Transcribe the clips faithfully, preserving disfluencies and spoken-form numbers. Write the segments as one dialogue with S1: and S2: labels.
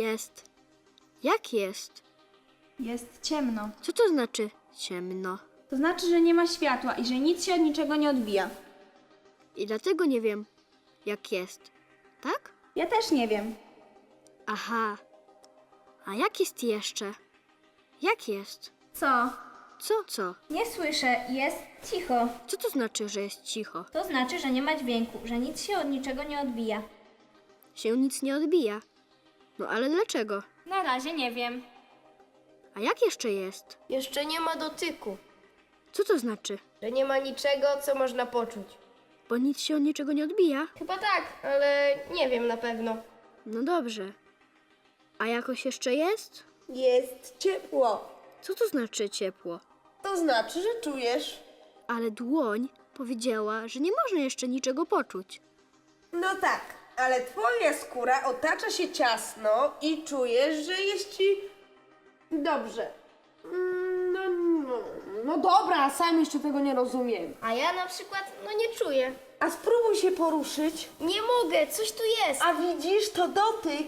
S1: Jest. Jak jest?
S2: Jest ciemno.
S1: Co to znaczy ciemno?
S2: To znaczy, że nie ma światła i że nic się od niczego nie odbija.
S1: I dlatego nie wiem, jak jest. Tak?
S2: Ja też nie wiem.
S1: Aha. A jak jest jeszcze? Jak jest?
S2: Co?
S1: Co, co?
S2: Nie słyszę, jest cicho.
S1: Co to znaczy, że jest cicho?
S2: To znaczy, że nie ma dźwięku, że nic się od niczego nie odbija.
S1: Się nic nie odbija. No ale dlaczego?
S2: Na razie nie wiem.
S1: A jak jeszcze jest?
S3: Jeszcze nie ma dotyku,
S1: Co to znaczy?
S3: że nie ma niczego, co można poczuć.
S1: Bo nic się od niczego nie odbija?
S3: Chyba tak, ale nie wiem na pewno.
S1: No dobrze. A jakoś jeszcze jest?
S4: Jest ciepło.
S1: Co to znaczy ciepło?
S4: To znaczy, że czujesz.
S1: Ale dłoń powiedziała, że nie można jeszcze niczego poczuć.
S4: No tak, ale twoja skóra otacza się ciasno i czujesz, że jest ci dobrze. Mm, No, no, no dobra, sam jeszcze tego nie rozumiem.
S3: A ja na przykład, no nie czuję.
S4: A spróbuj się poruszyć.
S3: Nie mogę, coś tu jest.
S4: A widzisz, to dotyk.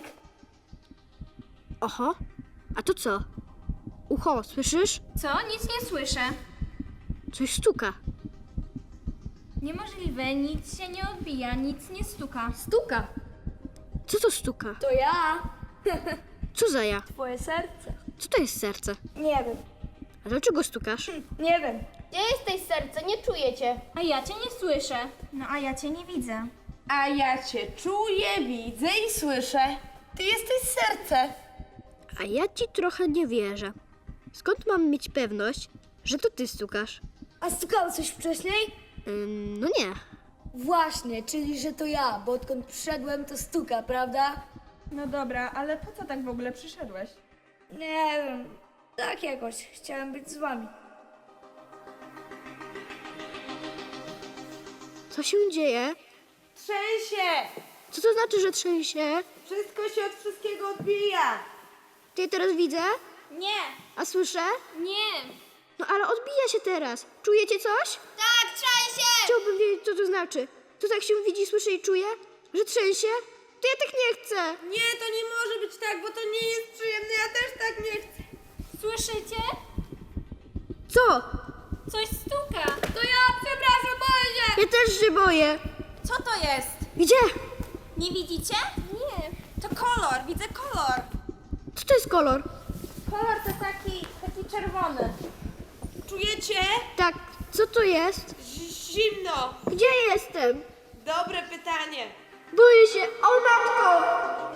S1: Oho, a to co? Ucho, słyszysz?
S2: Co? Nic nie słyszę.
S1: Coś stuka.
S2: Niemożliwe, nic się nie odbija, nic nie stuka.
S3: Stuka.
S1: Co to stuka?
S3: To ja.
S1: Co za ja?
S3: Twoje serce.
S1: Co to jest serce?
S3: Nie wiem.
S1: A dlaczego stukasz?
S3: Nie wiem. Gdzie jesteś, serce? Nie czuję cię.
S2: A ja cię nie słyszę. No a ja cię nie widzę.
S4: A ja cię czuję, widzę i słyszę. Ty jesteś serce.
S1: A ja ci trochę nie wierzę. Skąd mam mieć pewność, że to ty stukasz?
S5: A stukało coś wcześniej?
S1: Ym, no nie.
S5: Właśnie, czyli że to ja, bo odkąd przyszedłem to stuka, prawda?
S2: No dobra, ale po co tak w ogóle przyszedłeś?
S5: Nie wiem, tak jakoś. Chciałem być z wami.
S1: Co się dzieje?
S4: Trzęsie.
S1: Co to znaczy, że trzęsie?
S4: Wszystko się od wszystkiego odbija.
S1: Ty je teraz widzę?
S2: Nie,
S1: A słyszę?
S2: nie.
S1: No ale odbija się teraz. Czujecie coś?
S3: Tak, trzęsie!
S1: Chciałbym wiedzieć, co to znaczy. To tak się widzi, słyszy i czuje? Że trzęsie? To ja tak nie chcę.
S4: Nie, to nie może być tak, bo to nie jest przyjemne. Ja też tak nie chcę.
S2: Słyszycie?
S1: Co?
S2: Coś stuka.
S3: To ja, przepraszam, boję się.
S1: Ja też się boję.
S2: Co to jest?
S1: Gdzie?
S2: Nie widzicie?
S3: Nie.
S2: To kolor, widzę kolor.
S1: Co to jest kolor?
S2: Kolor to taki, taki czerwony.
S4: Czujecie?
S1: Tak, co to jest?
S4: Zimno.
S1: Gdzie jestem?
S4: Dobre pytanie.
S1: Boję się. O matko!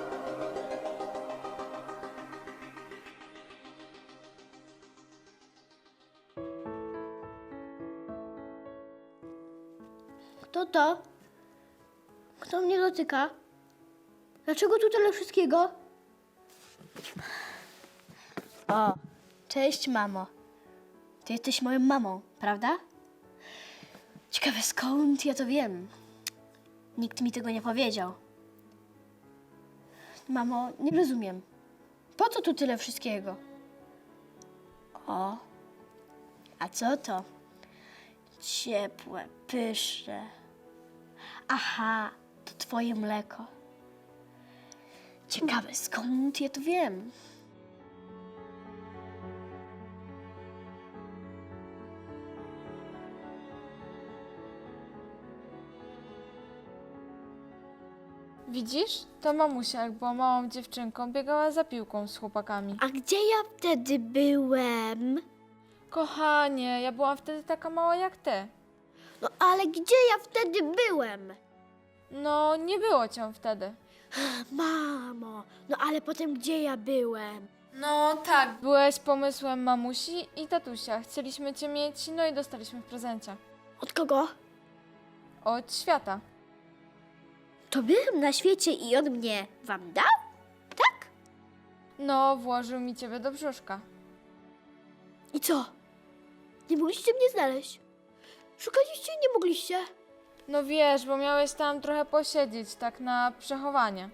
S1: Kto to? Kto mnie dotyka? Dlaczego tu tyle wszystkiego? O, cześć mamo. Ty jesteś moją mamą, prawda? Ciekawe skąd ja to wiem. Nikt mi tego nie powiedział. Mamo, nie rozumiem. Po co tu tyle wszystkiego? O, a co to? Ciepłe, pyszne. Aha, to twoje mleko. Ciekawe skąd ja to wiem.
S6: Widzisz? To mamusia, jak była małą dziewczynką, biegała za piłką z chłopakami.
S1: A gdzie ja wtedy byłem?
S6: Kochanie, ja byłam wtedy taka mała jak ty.
S1: No ale gdzie ja wtedy byłem?
S6: No, nie było cię wtedy.
S1: Mamo, no ale potem gdzie ja byłem?
S6: No tak, byłeś pomysłem mamusi i tatusia. Chcieliśmy cię mieć, no i dostaliśmy w prezencie.
S1: Od kogo?
S6: Od świata.
S1: To byłem na świecie i on mnie wam dał? Tak?
S6: No, włożył mi ciebie do brzuszka.
S1: I co? Nie mogliście mnie znaleźć? Szukaliście i nie mogliście?
S6: No wiesz, bo miałeś tam trochę posiedzieć, tak na przechowanie.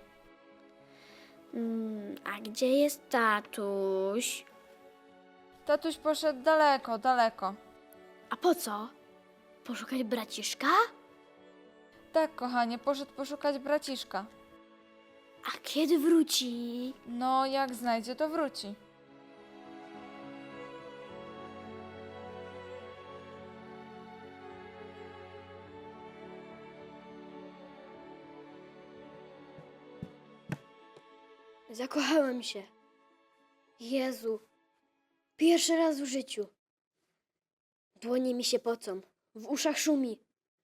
S1: Mm, a gdzie jest tatuś?
S6: Tatuś poszedł daleko, daleko.
S1: A po co? Poszukać braciszka?
S6: Tak, kochanie, poszedł poszukać braciszka.
S1: A kiedy wróci?
S6: No, jak znajdzie, to wróci.
S1: Zakochałem się. Jezu. Pierwszy raz w życiu. Dłonie mi się pocą. W uszach szumi.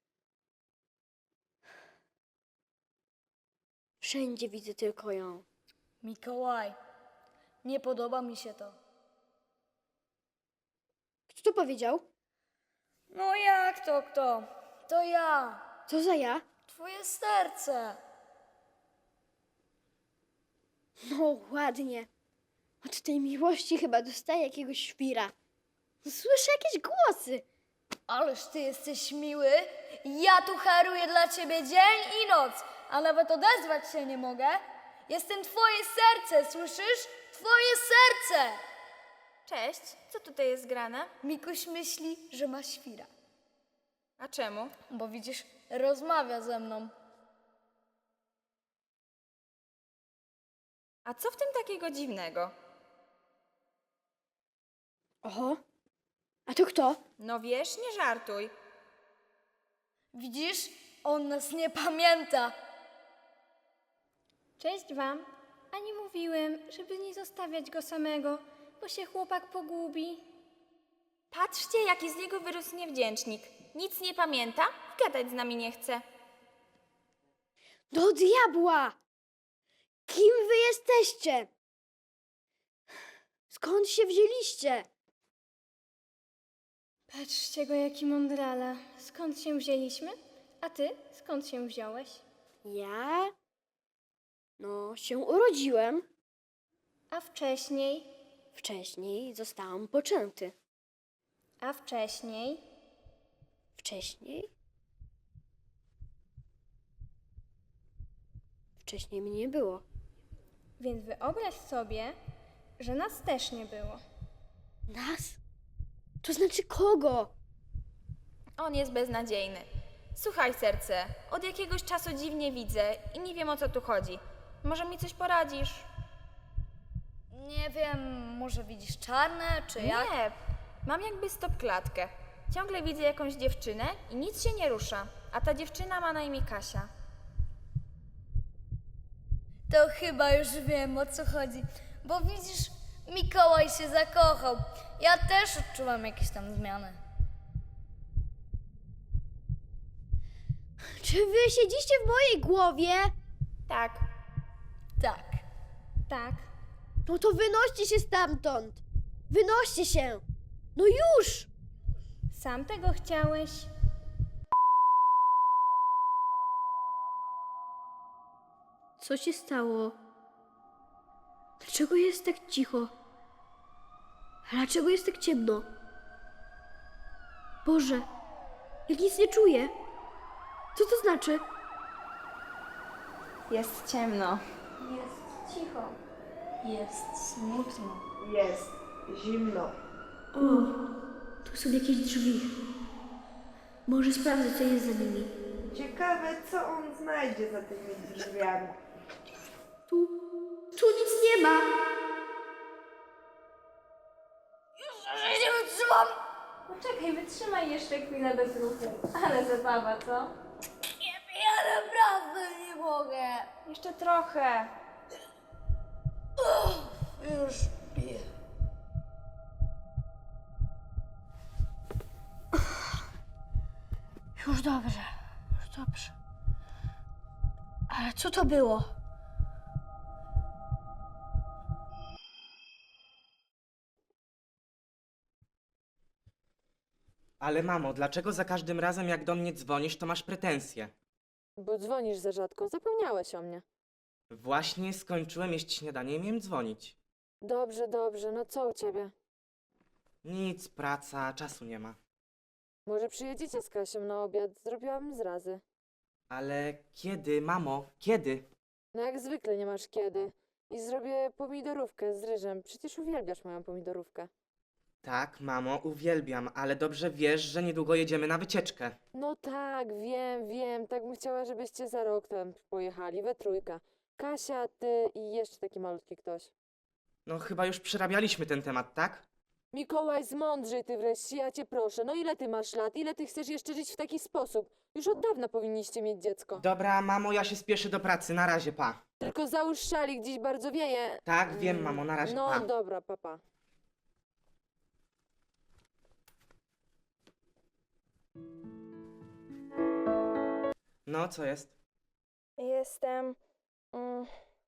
S1: Wszędzie widzę tylko ją.
S5: Mikołaj, nie podoba mi się to.
S1: Kto to powiedział?
S5: No jak to kto? To ja,
S1: Co za ja?
S5: twoje serce.
S1: No ładnie. Od tej miłości chyba dostaję jakiegoś świra. Słyszę jakieś głosy.
S5: Ależ ty jesteś miły. Ja tu haruję dla ciebie dzień i noc, a nawet odezwać się nie mogę. Jestem twoje serce, słyszysz? Twoje serce!
S2: Cześć, co tutaj jest grane?
S5: Mikuś myśli, że ma świra,
S2: A czemu?
S5: bo widzisz, rozmawia ze mną.
S2: A co w tym takiego dziwnego?
S1: Oho. A to kto?
S2: No wiesz, nie żartuj.
S5: Widzisz? On nas nie pamięta.
S7: Cześć wam. A nie mówiłem, żeby nie zostawiać go samego, bo się chłopak pogubi.
S2: Patrzcie, jaki z niego wyrósł niewdzięcznik. Nic nie pamięta i gadać z nami nie chce.
S1: Do diabła! Kim wy jesteście? Skąd się wzięliście?
S7: Patrzcie go, jaki mądrala. Skąd się wzięliśmy? A ty? Skąd się wziąłeś?
S1: Ja? No, się urodziłem.
S7: A wcześniej?
S1: Wcześniej zostałam poczęty.
S7: A wcześniej?
S1: Wcześniej? Wcześniej mnie nie było.
S7: Więc wyobraź sobie, że nas też nie było.
S1: Nas? To znaczy kogo?
S2: On jest beznadziejny. Słuchaj, serce, od jakiegoś czasu dziwnie widzę i nie wiem, o co tu chodzi. Może mi coś poradzisz?
S5: Nie wiem, może widzisz czarne, czy jak?
S2: Nie, mam jakby stop klatkę. Ciągle widzę jakąś dziewczynę i nic się nie rusza. A ta dziewczyna ma na imię Kasia.
S5: To chyba już wiem, o co chodzi. Bo widzisz, Mikołaj się zakochał. Ja też odczuwam jakieś tam zmiany.
S1: Czy wy siedzicie w mojej głowie?
S2: Tak,
S5: Tak.
S7: Tak.
S1: No to wynoście się stamtąd. Wynoście się. No już!
S7: Sam tego chciałeś?
S1: Co się stało? Dlaczego jest tak cicho? A dlaczego jest tak ciemno? Boże, ja nic nie czuję. Co to znaczy?
S2: jest ciemno.
S5: Jest smutno.
S4: Jest zimno.
S1: O, tu są jakieś drzwi. Może sprawdzę, co jest za nimi.
S4: Ciekawe, co on znajdzie za tymi drzwiami.
S1: Tu, tu nic nie ma.
S5: Nie wytrzymam!
S7: Poczekaj, wytrzymaj jeszcze chwilę bez ruchu. Ale zabawa, co?
S5: Ja naprawdę nie mogę.
S2: Jeszcze trochę.
S5: Już piję.
S1: Już dobrze, już dobrze. Ale co to było?
S8: Ale mamo, dlaczego za każdym razem jak do mnie dzwonisz, to masz pretensje?
S9: Bo dzwonisz za rzadko, zapomniałeś o mnie.
S8: Właśnie skończyłem jeść śniadanie i miałem dzwonić.
S9: Dobrze, dobrze, no co u ciebie?
S8: Nic, praca, czasu nie ma.
S9: Może przyjedziecie z Kasią na obiad, zrobiłabym zrazy.
S8: Ale kiedy, mamo, kiedy?
S9: No jak zwykle nie masz kiedy. I zrobię pomidorówkę z ryżem, przecież uwielbiasz moją pomidorówkę.
S8: Tak, mamo, uwielbiam, ale dobrze wiesz, że niedługo jedziemy na wycieczkę.
S9: No tak, wiem, wiem, tak bym chciała, żebyście za rok tam pojechali, we trójkę. Kasia, ty i jeszcze taki malutki ktoś.
S8: No chyba już przerabialiśmy ten temat, tak?
S9: Mikołaj, zmądrzej ty wreszcie, ja cię proszę. No ile ty masz lat? Ile ty chcesz jeszcze żyć w taki sposób? Już od dawna powinniście mieć dziecko.
S8: Dobra, mamo, ja się spieszę do pracy, na razie, pa.
S9: Tylko załóż szalik, dziś bardzo wieje.
S8: Tak, wiem, mamo, na razie,
S9: No
S8: pa.
S9: dobra, papa.
S8: No, co jest?
S2: Jestem... Mm,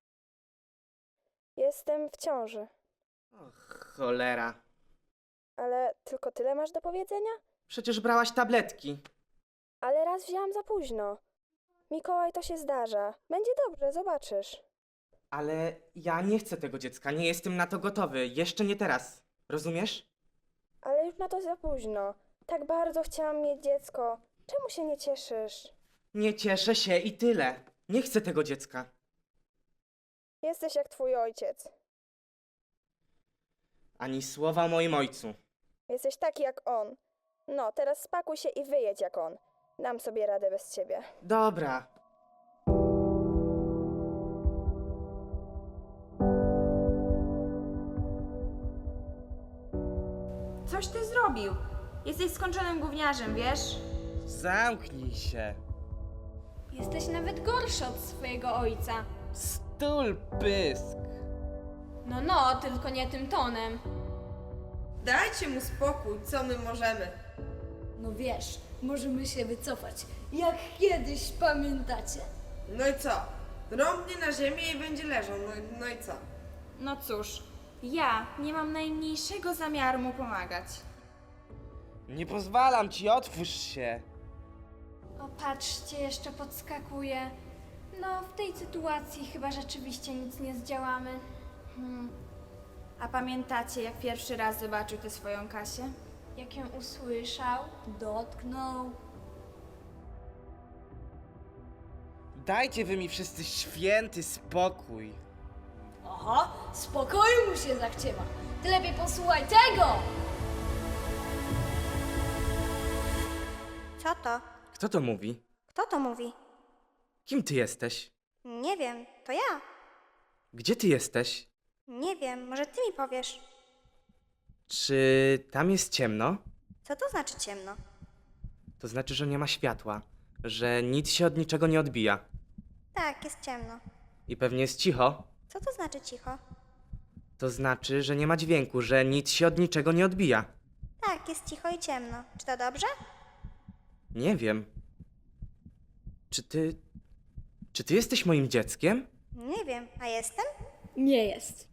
S2: jestem w ciąży.
S8: Och, cholera.
S2: Ale tylko tyle masz do powiedzenia?
S8: Przecież brałaś tabletki.
S2: Ale raz wzięłam za późno. Mikołaj, to się zdarza. Będzie dobrze, zobaczysz.
S8: Ale ja nie chcę tego dziecka, nie jestem na to gotowy. Jeszcze nie teraz. Rozumiesz?
S2: Ale już na to za późno. Tak bardzo chciałam mieć dziecko. Czemu się nie cieszysz?
S8: Nie cieszę się i tyle. Nie chcę tego dziecka.
S2: Jesteś jak twój ojciec.
S8: Ani słowa o moim ojcu.
S2: Jesteś taki jak on. No, teraz spakuj się i wyjedź jak on. Dam sobie radę bez ciebie.
S8: Dobra.
S2: Coś ty zrobił. Jesteś skończonym gówniarzem, wiesz?
S8: Zamknij się.
S7: Jesteś nawet gorszy od swojego ojca.
S8: Stul pysk.
S7: No, no, tylko nie tym tonem.
S4: Dajcie mu spokój, co my możemy?
S5: No wiesz, możemy się wycofać, jak kiedyś pamiętacie.
S4: No i co? Rąbnie na ziemię i będzie leżał, no, no i co?
S2: No cóż, ja nie mam najmniejszego zamiaru mu pomagać.
S8: Nie pozwalam ci, otwórz się.
S7: O, patrzcie, jeszcze podskakuje. No, w tej sytuacji chyba rzeczywiście nic nie zdziałamy.
S2: Hmm. A pamiętacie, jak pierwszy raz zobaczył tę swoją Kasię?
S7: Jak ją usłyszał,
S5: Dotknął.
S8: Dajcie wy mi wszyscy święty spokój.
S5: Aha, spokoju mu się zachciewa. Ty lepiej posłuchaj tego!
S10: Co to?
S8: Kto to mówi?
S10: Kto to mówi?
S8: Kim ty jesteś?
S10: Nie wiem, to ja.
S8: Gdzie ty jesteś?
S10: Nie wiem, może ty mi powiesz.
S8: Czy tam jest ciemno?
S10: Co to znaczy ciemno?
S8: To znaczy, że nie ma światła, że nic się od niczego nie odbija.
S10: Tak, jest ciemno.
S8: I pewnie jest cicho.
S10: Co to znaczy cicho?
S8: To znaczy, że nie ma dźwięku, że nic się od niczego nie odbija.
S10: Tak, jest cicho i ciemno. Czy to dobrze?
S8: Nie wiem. Czy ty... Czy ty jesteś moim dzieckiem?
S10: Nie wiem, a jestem?
S5: Nie jest.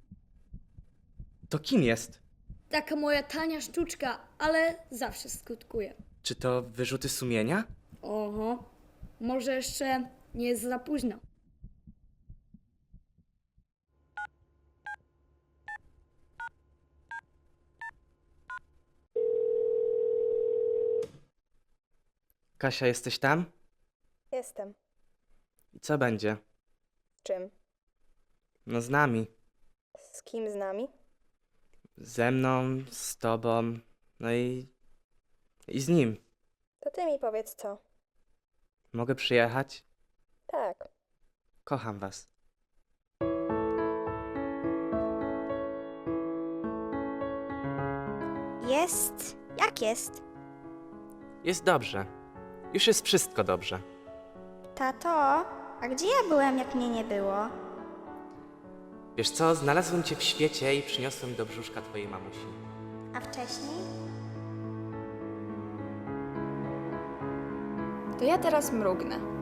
S8: To kim jest?
S5: Taka moja tania sztuczka, ale zawsze skutkuje.
S8: Czy to wyrzuty sumienia?
S5: Oho, może jeszcze nie jest za późno.
S8: Kasia, jesteś tam?
S2: Jestem.
S8: I co będzie?
S2: Czym?
S8: No z nami.
S2: Z kim z nami?
S8: Ze mną, z tobą, no i... i z nim.
S2: To ty mi powiedz co.
S8: Mogę przyjechać?
S2: Tak.
S8: Kocham was.
S10: Jest. Jak jest?
S8: Jest dobrze. Już jest wszystko dobrze.
S10: Tato, a gdzie ja byłem, jak mnie nie było?
S8: Wiesz co, znalazłem cię w świecie i przyniosłem do brzuszka twojej mamusi.
S10: A wcześniej?
S2: To ja teraz mrugnę.